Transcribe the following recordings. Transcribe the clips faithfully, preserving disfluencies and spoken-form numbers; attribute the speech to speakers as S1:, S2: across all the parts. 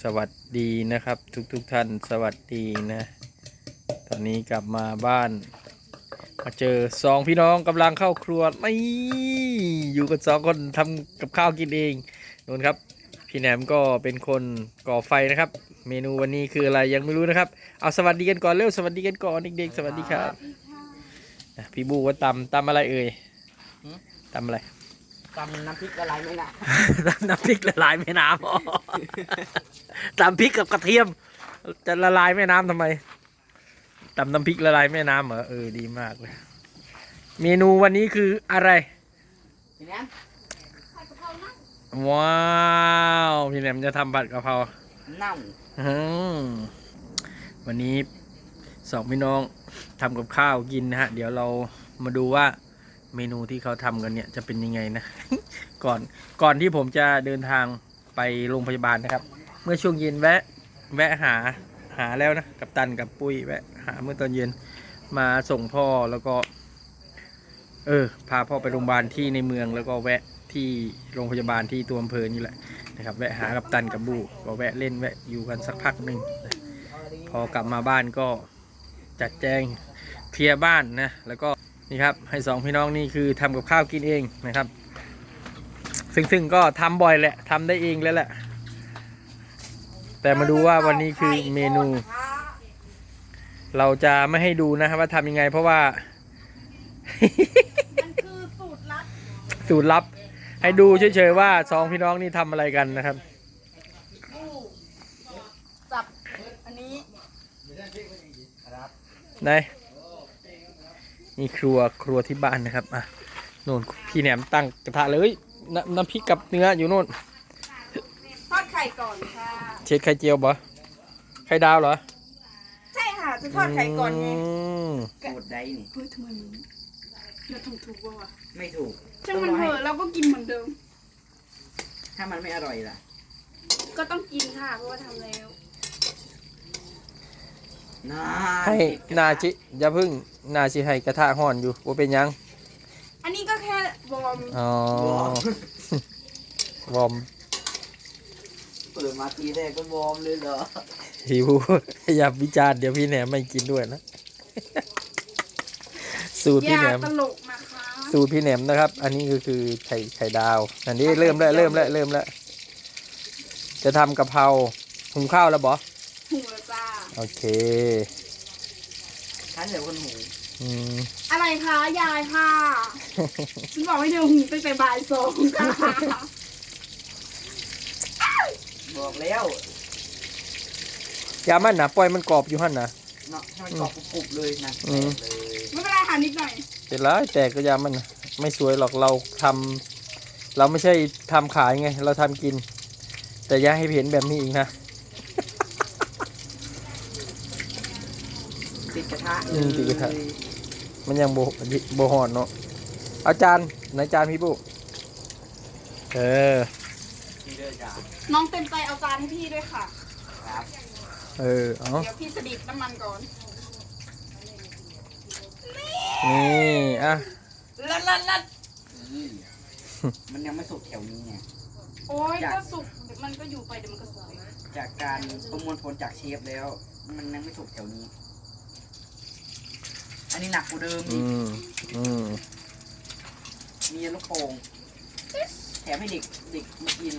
S1: สวัสดีนะครับทุกทุกท่านสวัสดีนะตอนนี้กลับมาบ้านมาเจอสองพี่น้องกำลังเข้าครัวนี่อยู่กันสองคนทำกับข้าวกินเองนู่นครับพี่แหนมก็เป็นคนก่อไฟนะครับเมนูวันนี้คืออะไรยังไม่รู้นะครับเอาสวัสดีกันก่อนเร็วสวัสดีกันก่อนเด็กๆสวัสดีครับพี่บูว่าตำตำอะไรเอ่ยตำอะไร
S2: ตำน้ำพริกละลายไม่น้
S1: ำตำน้ำพริกละลายแม่น้ำอ๋อตำพริกกับกระเทียมจะละลายแม่น้ำทำไมตำน้ำพริกละลายแม่น้ำเหรอเออดีมากเลยเมนูวันนี้คืออะไร
S2: พี่แหนม
S1: ว้าวพี่แหนมจะทำผัดกะเพรา
S2: เน่า
S1: วันนี้สองพี่น้องทำกับข้าวกินนะฮะเดี๋ยวเรามาดูว่าเมนูที่เขาทำกันเนี่ยจะเป็นยังไงนะ ก่อนก่อนที่ผมจะเดินทางไปโรงพยาบาลนะครับ เมื่อช่วงเย็นแวะแวะหาหาแล้วนะกับตันกับปุ้ยแวะหาเมื่อตอนเย็นมาส่งพ่อแล้วก็เออพาพ่อไปโรงพยาบาลที่ในเมืองแล้วก็แวะที่โรงพยาบาลที่ตัวอำเภอนี่แหละนะครับแวะหากับตันกับบูก็แวะเล่นแวะอยู่กันสักพักหนึ่งพอกลับมาบ้านก็จัดแจงเคลียร์บ้านนะแล้วก็นี่ครับให้สองพี่น้องนี่คือทำกับข้าวกินเองนะครับซึ่งซึ่งก็ทำบ่อยแหละทำได้เองแล้วแหละแต่มาดูว่าวันนี้คือเมนู เราจะไม่ให้ดูนะครับว่าทำยังไงเพราะว่า
S3: มันคือสูตรลับ
S1: สูตรลับให้ดูเฉยๆว่าสองพี่น้องนี่ทำอะไรกันนะครับ
S3: จับอันนี้
S1: ไหนนี่ครัวครัวที่บ้านนะครับอ่ะโน่นพี่แหนมตั้งกระทะเลยน้ำน้ำพริกกับเนื้ออยู่โน่น
S3: ทอดไข่ก่อนค่ะ
S1: เช็ดไข่เจียวบ่ไข่ดาวเหรอ
S3: ใช่ค่ะจะทอดไข่ก่อนไง
S2: สูตรใดนี่
S3: เฮ้ยทำไมมันเราทำถูกป่าวะ
S2: ไม่ถูก
S3: ช่างมันเถอะเราก็กินเหมือนเดิม
S2: ถ้ามันไม่อร่อยล่ะ
S3: ก็ต้องกินค่ะเพราะว่าทำแล้ว
S1: ให้นาจิอย่าพึ่งนาจิให้กระทะห่อนอยู่ว่าเป็นยัง
S3: อันนี้ก็แค่วอร์ม
S1: อ๋อวอร์ม
S2: เปิดมาทีแรกก็วอร์มเลยเหรอ
S1: หิวอย่าวิจารณ์เดี๋ยวพี่แหนมไม่กินด้วยนะสูตรพี่แหนม
S3: ตลกนะคะ
S1: สูตรพี่แหนมนะครับอันนี้ก็คือไข่ไข่ดาวอันนี้เริ่มแล้วเริ่มแล้วเริ่มแล้วจะทำกะเพราหุงข้าวแล้วบอ
S3: หุงแล้วจ้า
S1: โอเค
S2: ท่านเดี๋ยวคนหุง
S3: อะไรคะยายค่ะฉันบอกให้เธอหุงตั้งแต่บ่ายสองค่ะ
S2: บอกแล้ว
S1: ยามันนะปล่อยมันกรอบอยู่หั่นนะ
S2: เนาะให้มันกรอบกรุบเลยนะ
S3: ไม่เป็นไรค่ะนิดหน่อย
S1: เป็นไรแต่ก็ยามันไม่สวยหรอกเราทำเราไม่ใช่ทำขายไงเราทำกินแต่อย่าให้เห็นแบบนี้อีกนะ
S2: ติดกระทะ
S1: อืมติดกระทะมันยังโบโบหอนเนาะอาจารย์ไหนจานพี่ปุ๊เออ
S3: น้องเต็มใจเอาจานให้พี่ด้วยค่ะ
S2: ครับ
S1: เออเอา
S3: เดี๋ยวพี่สดิบน้ำมันก่อน
S1: นี่อ่ะ
S3: ลัดลัดลัด
S2: มันยังไม่สุกแถวนี้ไง
S3: โอ้ยก็สุกมันก็อยู่ไปเดี๋ยวมันก็สุก
S2: จากการประมวลผลจากเชฟแล้วมันยังไม่สุกแถวนี้อันนี้หนักกว่าเดิมอีกมีลูกโป่งแถมให้เด็กเด็กมากิน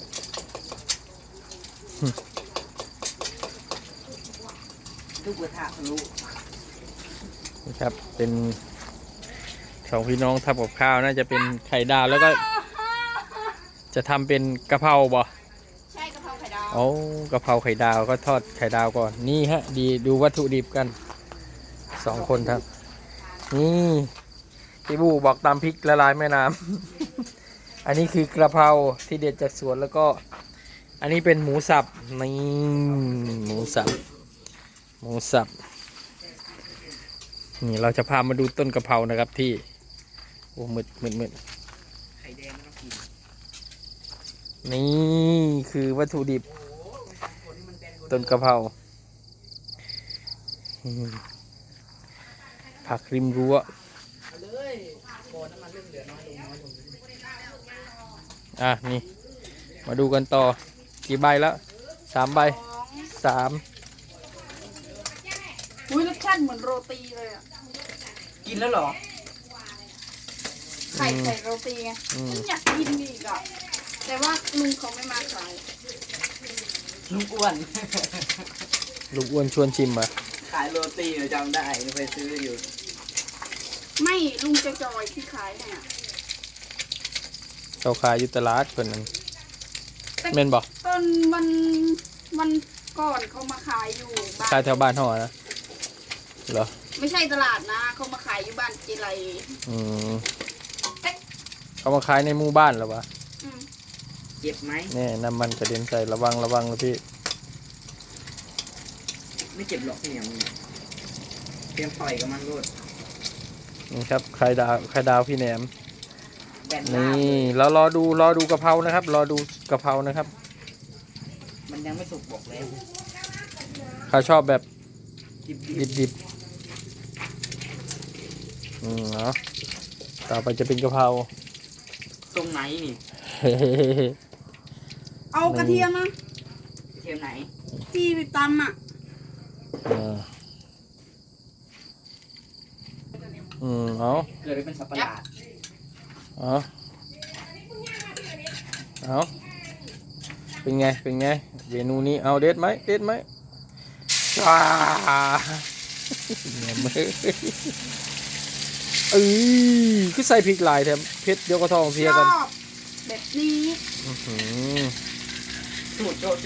S2: ลูกกระทะทะลุ
S1: นะครับเป็นสองพี่น้องทำกับข้าวน่าจะเป็นไข่ดาวแล้วก็จะทำเป็นกะเพราบ่
S3: ใช่กะเพราไข่ดาว
S1: โอ้กะเพราไข่ดาวก็ทอดไข่ดาวก่อนนี่ฮะดีดูวัตถุดิบกันสองคนครับนี่พี่บูบอกตามพริกละลายแม่น้ำ อันนี้คือกระเพราที่เด็ดจากสวนแล้วก็อันนี้เป็นหมูสับนี่หมูสับหมูสับนี่เราจะพามาดูต้นกะเพรานะครับที่โอ้มืดมืดมืด
S2: ไข่แดงไม่ต้องกิน
S1: นี่คือวัตถุดิบต้นกะเพราผักริมรั้วอ่ะนี่มาดูกันต่อกี่ใบแล้วสามใบ
S3: สอง
S1: สาม
S3: อุ้ยรสชาติเหมือนโรตีเลยอ่ะ
S2: กินแล้วเหรอ
S3: ไข่ใส่โรตีไง
S1: อืม
S3: อยากกินอีกอ่ะแต่ว่าลุงเขาไม่มาขาย
S2: ลุงอ้วน
S1: ลูกอ้วนชวนชิมอ่ะ
S2: ขายโรตีเราจำได้เคยซื้ออยู่
S3: ไม่ลุงจะจอยที่ขายให้อ่ะ
S1: เขาขายอยู่ตลาดเพิ่นนั่นแม่นบ่
S3: ตอนวันวันก่อนเขามาขายอยู่บ้าน
S1: ขายแถวบ้านเฮาอะนะเหรอ
S3: ไม่ใช่ตลาดนะเขามาขายอยู่บ้านเจไร
S1: อืม
S3: เอ๊ะ
S1: เขามาขายในหมู่บ้านเหรอวะ
S3: อืม
S2: เจ็บไหม
S1: แน่น้ำมันกระเด็นใส่ระวังระวังนะพี่
S2: ไม่เจ็บหรอกเนี่ยมึงเตรียมต่อยกับมันโลด
S1: นี่ครับไข่ดาวไข่ดาวพี่แหนม
S2: แบนหน้า
S1: นี่
S2: เลย
S1: เรารอดูรอดูกะเพรานะครับ รอดูกะเพรานะครับ
S2: มันยังไม่สุกบอกแล้ว
S1: เขาชอบแบบ
S2: ดิบ
S1: ดิบดิบอืมเนาะต่อไปจะเป็นกะเพรา
S2: ๆตรงไหนนี่
S3: เอากระเทียมนะ
S2: เทียมไหน
S3: ที่ไปตำอ่ะ
S1: อ่าอืมเอา
S2: เกิดไปเป็นสับประหลาด
S1: เอาเอาเป็นไงเป็นไงเมนูนี้เอาเด็ดไหมเด็ดไหมว้าเนี่ยมือเอ้ยคือใส่พริกหลายแถมเผ็ดเดี๋ยวก็ท้องเสีย
S3: ช
S1: กัน
S3: อบแบบนี้
S1: อื้อหือ
S2: สูตรโจโจ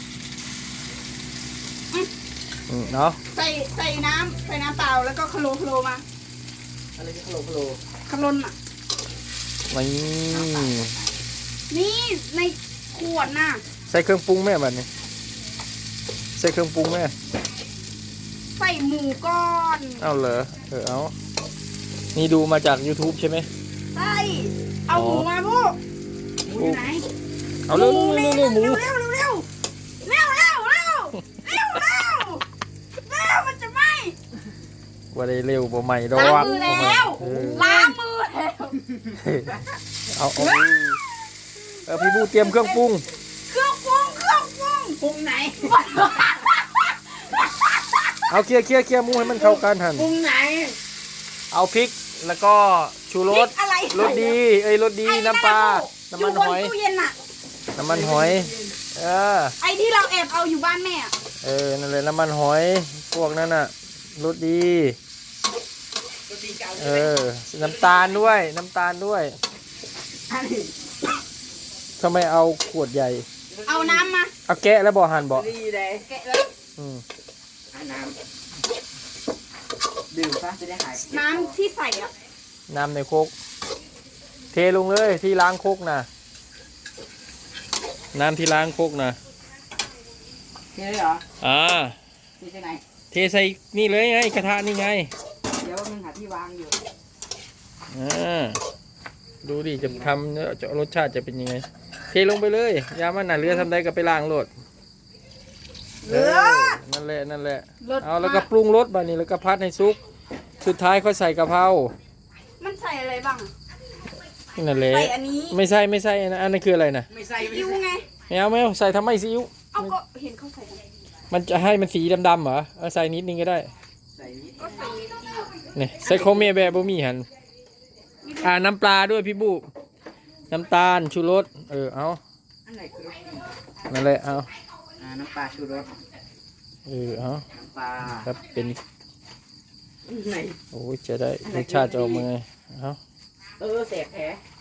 S1: อืมเนาะ
S3: ใส่ใส่น้ำใส่น้ำเปล่าแล้วก็คโลคโลมา
S2: อะไรที่คโลคโล
S3: คลนอ่ะ
S1: นี่
S3: นี่ในขวดน่ะ
S1: ใส่เครื่องปรุงแม่บัดนี้ใส่เครื่องปรุงแม่
S3: ใส่หมูก้อน
S1: เอาเหรอเออเอานี่ดูมาจาก YouTube ใช่ไหม
S3: ใส่เอาหมูมาพวก
S2: หมูอยู่ไหน
S1: เอาเร็วเร็วเร็วหมู
S3: เร็วเร็วเร็วเร็วเร็วเร็วเร็วเร็วเร็วเร็วมันจะไหม
S1: ว่าได้เร็วบ่ใหม่ดอก
S3: ล้างมือแล้ว
S1: เออ
S3: ล้างมือแล้ว
S1: เอาเอาเออพี่บูเตรียมเครื่องปรุง
S3: เครื่องปรุงเครื่องปรุง
S2: ปรุงไหน
S1: เอาเคลียร์เคลียร์เคลียร์หมูให้มันเข้ากันหัน
S2: ปรุงไหน
S1: เอาพริกแล้วก็ชูรส
S3: อะไร
S1: รสดีเอ้ยรสดีน้ำปลาน้ำมันหอย
S3: อยู่บนตู้เย็นน่ะ
S1: น้ำมันหอยเออ
S3: ไอ้ที่เราแอบเอาอยู่บ้านแม่อะ
S1: เออนั่นเลยน้ำมันหอยพวกนั้นน่ะรสดี
S2: โรตีเก่า
S1: เออน้ำตาลด้วยน้ำตาลด้วย
S2: อันนี้
S1: ทำไมเอาขวดใหญ่
S3: เอาน้ำมา
S1: เอาแกะแล้วบ่หั่นบ่
S2: ดีเลย
S3: แกะแล้ว
S1: อืม
S2: อ่ะน้ำดื่มซะจะได้หาย
S3: น้ำที่ใส่อ่ะ
S1: น้ำในโคกเทลงเลยที่ล้างโคกนะน้ำที่ล้างโคกนะ
S2: เทเลยเหรอ
S1: อ่า
S2: นี่ใช่ไหน
S1: เทใส่นี่เลยไงกระทะนี่ไง
S2: เดี๋ยวมึงหาที่วางอยู่
S1: อ่าดูดิจะทำเนื้อจะรสชาติจะเป็นยังไง เทลงไปเลยยามันหนาเรือทำได้ก็ไปล้างโลด
S3: เหลือ
S1: นั่นแหละนั่นแหละ
S3: รส
S1: เอาแล้วก็ปรุงรสบานี้แล้วก็พัดให้ซุกสุดท้ายค่อยใส่กะเพรา
S3: มันใส่อะไรบ้าง
S1: นั่นแหละ
S3: ใส่อันนี้
S1: ไม่ใส่ไม่ใส่อันนั้นอันนั้นคืออะไรนะ
S2: ไม่ใส่ไม่
S3: ยู
S2: ใส่
S3: ไง
S1: ไม่เอาไม่เอาใส่ทำไมซีอิ๊ว
S3: เอาก็เห็นเขาใส่กัน
S1: มันจะให้มันสีดำๆเหรอเอาใส่นิดนึงก็ได้
S2: ใส่นิด
S3: ก็ใส่นิดเดียว
S1: นี่ใส่โคเมแบบบ่มีหันอ่าน้ำปลาด้วยพี่บุน้ำตาลชูรสเออเอา
S2: อันไหนคือรสดี
S1: นั่นแหละเอา
S2: อ่าน้ำปลาชูรส
S1: เออเอา
S2: น้ำปลา
S1: ครับเป็น
S2: ไหน
S1: โอ้ยจะได้รสชาติจะออกมาไงเอา
S2: เออเสพแผล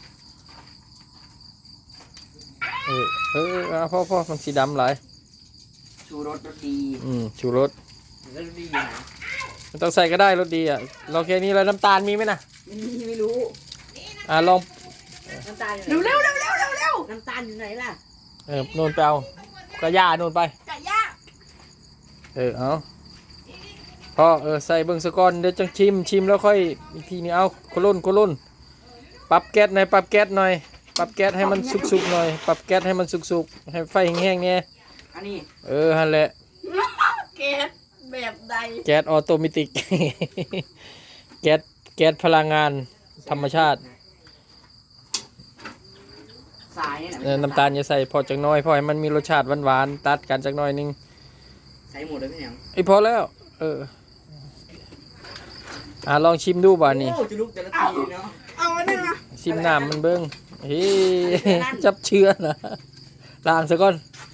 S1: เออเออเอาพ่อพ่อมันสีดำหลาย
S2: ชูรสรสดี
S1: อืมชูรส
S2: รสดีอยู่นะ
S1: มันต้องใส่ก็ได้รสดีอ่ะเราแค่นี้แล้วน้ำตาลมีไหมนะ
S2: ไม่มีไม่รู้
S1: อ่าลอง
S2: น้ำตาลอยู่ไหน
S3: เร็วเร็วเร็วเร็วเร็วเร็ว
S2: น้ำตาลอยู่ไหนล่ะ
S1: เออโนนไปเอาก็ย่าโนนไป
S3: ไก่ย่าง
S1: เออเอาพ่อเออใส่เบิ่งสะก่อนเดี๋ยวจังชิมชิมแล้วค่อยอีกทีนี้เอาโคลุ่นโคลุ่นปรับแก๊สหน่อยปรับแก๊สหน่อยปรับแก๊สให้มันสุกๆหน่อยปรับแก๊สให้มันสุกๆให้ไฟแห้งๆเนี่ย
S2: อันนี้
S1: เออฮันแหละ
S3: เกสแบบใด
S1: แก๊สออโตเมติก แก๊สแก๊สพลังงานธรรมชาติ
S2: ทรายเนี่ย
S1: เออน้ำตาลอย่าใส่พอจักหน้อยพอให้มันมีรสชาติหวานๆตัดกันจักหน้อยนึง
S2: ใส่หมดเลยพี่เหนียว
S1: ไอ้ยพอแล้ว เอออ่ะลองชิมดูบ่านี่
S2: โอ้จะลุกแต่ละทีเนาะ
S3: เอาอันนึงนะ
S1: ชิมน้ำมันเบิ้งเฮ้ยจับเชื้อนะล้างซะก่อน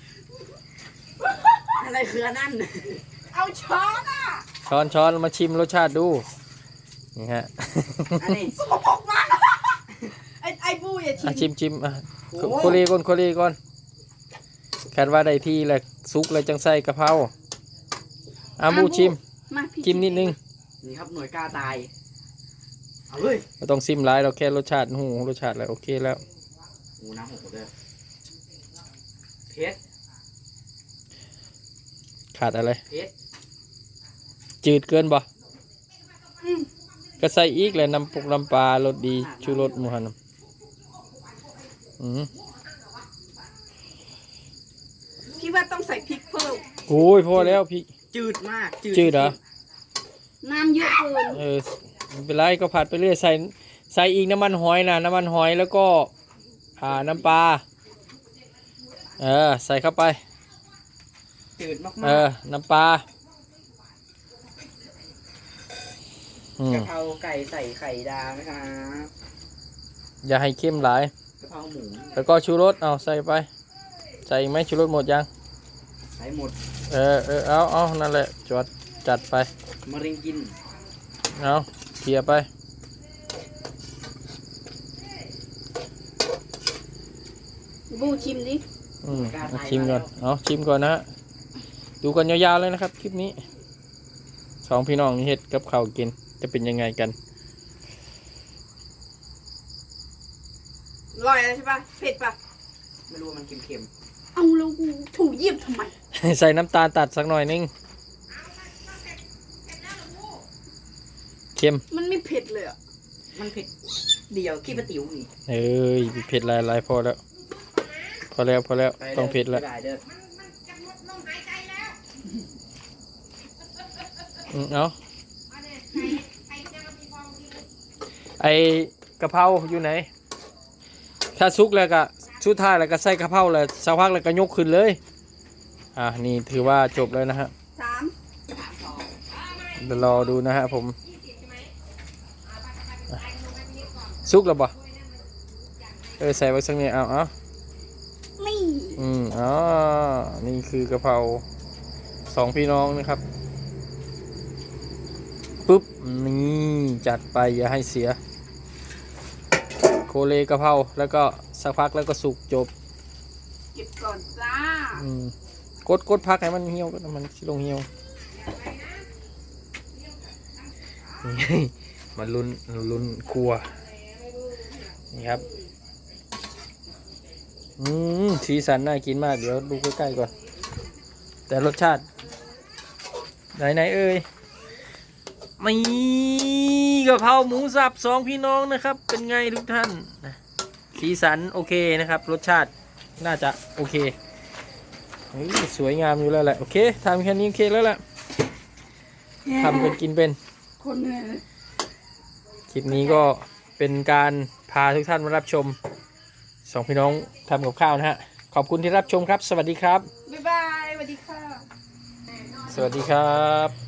S2: อะไรคืออันนั่น
S3: เอาช้อนอ่ะ
S1: ช้อนช้อนมาชิมรสชาติดูนี่ฮะ
S2: อันนี้
S3: สกปรกมากไอ้ไอ้บูอย่า
S1: อ่ะ
S3: ชิม
S1: ชิมชิมอ่ะ
S2: โอ้
S1: โคเลก่อนโคเลก่อนคาดว่าได้ที่แหละซุกเลยจังใส่กะเพราอ่ะบูชิม
S3: มาพี่
S1: ชิมนิดนึง
S2: นี่ครับหน่วยกล้าตายเอาเลย
S1: ไม่ต้องซิมหลายเราแค่รสชาติหูรสชาติอะไรโอเคแล้ว
S2: โอ้น้ำหกหมดเลยเพชร
S1: ขาดอะไร
S2: เพชร
S1: จืดเกินบ่
S3: อืม
S1: ก็ใส่อีกเลยน้ำปุกน้ำปลารสดีชูรสหมูหันอืม
S3: พี่ว่าต้องใส่พริกเพิ่ม
S1: โอ้ยพอแล้วพี่
S2: จืดมาก
S1: จืดเหรอ
S3: น้ำเยอะเกิน
S1: เออไม่เป็นไรก็ผัดไปเรื่อยใส่ใส่อีกน้ำมันหอยนะน้ำมันหอยแล้วก็อ่าน้ำปลาเออใส่เข้าไป
S2: จืดมาก
S1: เออน้ำปลาอื
S2: ๆ
S1: ม
S2: กะเพราไก่ใส่ไข่ดาวนะครับ
S1: อย่าให้เข้มหลาย
S2: กะเพราหมู
S1: แล้วก็ชูรสเอาใส่ไปใส่อีกไหมชูรสหมดยัง
S2: ใส่หมด
S1: เออเออเอาเอานั่นแหละจวดจัดไป
S2: มะเร็งกิน
S1: เอาเขี่ยไป
S3: บูชิมดิ
S1: อืมเอาชิมก่อนเอาชิมก่อนนะฮะดูกันยาวๆเลยนะครับคลิปนี้สองพี่น้องนี่เฮ็ดกับข้าวกินจะเป็นยังไงกัน
S3: อร่อยอะไรใช่ปะเผ็ดปะ
S2: ไม่รู้ว่ามันเค็ม
S3: เอาแล้วกูถูเยี่ยมทำไม
S1: ใส่น้ำตาลตัดสักหน่อยนึงเค็ม
S3: มันไม่เผ็ดเลยอ่ะ
S2: ๆมันเผ็ดเดียวขี้ปลาติ๋วนี่
S1: เอ้ยเผ็ดหลายๆพอแล้ว พอแล้วพอแล้ว
S2: ไป
S1: ต้องเผ็ดแล้ว
S2: ไปเด้อ
S1: อืมเอาไอกะเพราอยู่ไหน ถ้าซุกแล้วก็ชุดท้ายแล้วก็ใส่กะเพราแล้วสักพักแล้วก็ยกขึ้นเลย อ่ะนี่ถือว่าจบแล้วนะฮะ
S3: สาม
S1: เดี๋ยวรอดูนะฮะผมอ่ะซุกแล้วบ่เออใส่ไว้สักนิดเอาเอา
S3: นี่
S1: อืมอ๋อนี่คือกะเพราสองพี่น้องนะครับปุ๊บนี่จัดไปอย่าให้เสียโคเลกะเพราแล้วก็สักพักแล้วก็สุกจบ
S3: เก็บก่อนจ้า
S1: อืมกดกดพักให้มันเหี่ยวก็มันสิลงเหี่ยวนี่ มันลุ้นลุ้นครัวนี่ครับอืมสีสันน่ากินมากเดี๋ยวดูใกล้ๆก่อนแต่รสชาติไหนไหนเอ่ยมีกะเพราหมูสับสองพี่น้องนะครับ เป็นไงทุกท่านนะสีสันโอเคนะครับ รสชาติน่าจะโอเคเฮ้ยสวยงามอยู่แล้วแหละโอเคทำแค่นี้โอเคแล้วแหละทำเป็นกินเป็น
S3: คนเหนื่อยเลย
S1: คลิปนี้ก็เป็นการพาทุกท่านมารับชมสองพี่น้องทำกับข้าวนะฮะขอบคุณที่รับชมครับ สวัสดีครับ
S3: บ๊ายบายสวัสดีค่ะ
S1: สวัสดีครับ